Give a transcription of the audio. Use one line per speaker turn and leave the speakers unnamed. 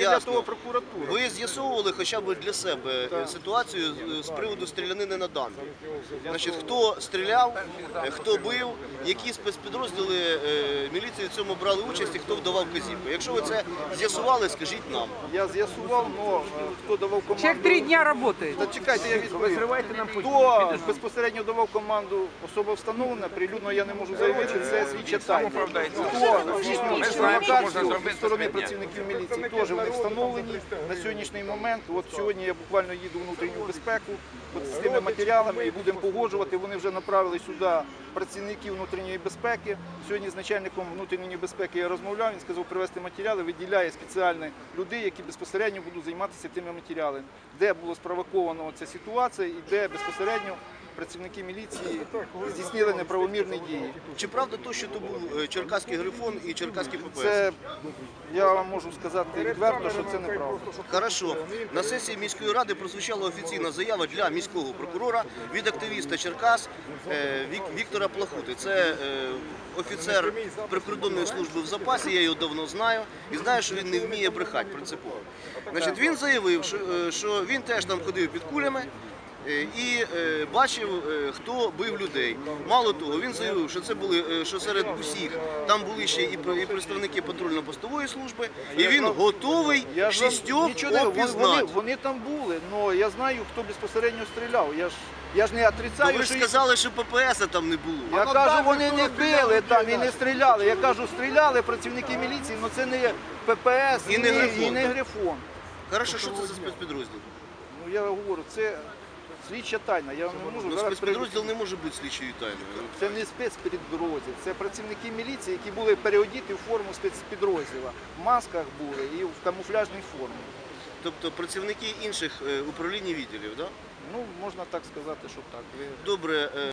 для того прокуратура.
Ви з'ясовували хоча б для себе ситуацію з приводу стрілянини на дамбі? Значить, хто стріляв, хто бив, які спецпідрозділи міліції в цьому брали участь і хто вдавав вказівку? Якщо ви це з'ясували, скажіть нам.
Я з'ясував, але хто давав команду...
Человек 3 дня работает.
Та чекайте, я відповім. Хто безпосередньо давав команду, особа встановлена, прилюдно я не можу заявити, це слідча тайна. Хто здійснював провокацію зі сторони працівників міліції, теж вони встановлені на сьогоднішній момент. От сьогодні я буквально їду в внутрішню безпеку от з тими матеріалами і будемо погоджувати. Вони вже направили сюди працівників внутрішньої безпеки. Сьогодні з начальником внутрішньої безпеки я розмовляв, він сказав привезти матеріали, виділяє спеціальних людей, які безпосередньо будуть займатися тими матеріалами, де було спровоковано ця ситуація і де безпосередньо працівники міліції здійснили неправомірні дії.
Чи правда то, що то був Черкаський Грифон і Черкаський ППС?
Це, я вам можу сказати відверто, що це неправда.
Хорошо. На сесії міської ради прозвучала офіційна заява для міського прокурора від активіста Черкас Віктора Плахути. Це офіцер прикордонної служби в запасі, я його давно знаю, і знаю, що він не вміє брехати принципово. Значить, він заявив, що він теж там ходив під кулями і бачив, хто бив людей. Мало того, він заявив, що серед усіх там були ще і представники патрульно-постової служби, і він готовий шістьох опізнати.
Вони там були, але я знаю, хто безпосередньо стріляв. Я ж не отрицаю,
Ви ж сказали, що ППС там не було.
Я кажу, вони не били там і не стріляли. Я кажу, стріляли працівники міліції, але це не ППС і не Грифон.
Хорошо, що це за спецпідрозділ?
Ну я говорю, це слідча тайна. Я не можу
Ну,
зараз
спецпідрозділ не може бути слідчою тайною.
Це не спецпідрозділ, це працівники міліції, які були переодіти в форму спецпідрозділу. В масках були і в камуфляжній формі.
Тобто працівники інших управлінь і відділів, так?
Ну, можна так сказати, що так.
Добре.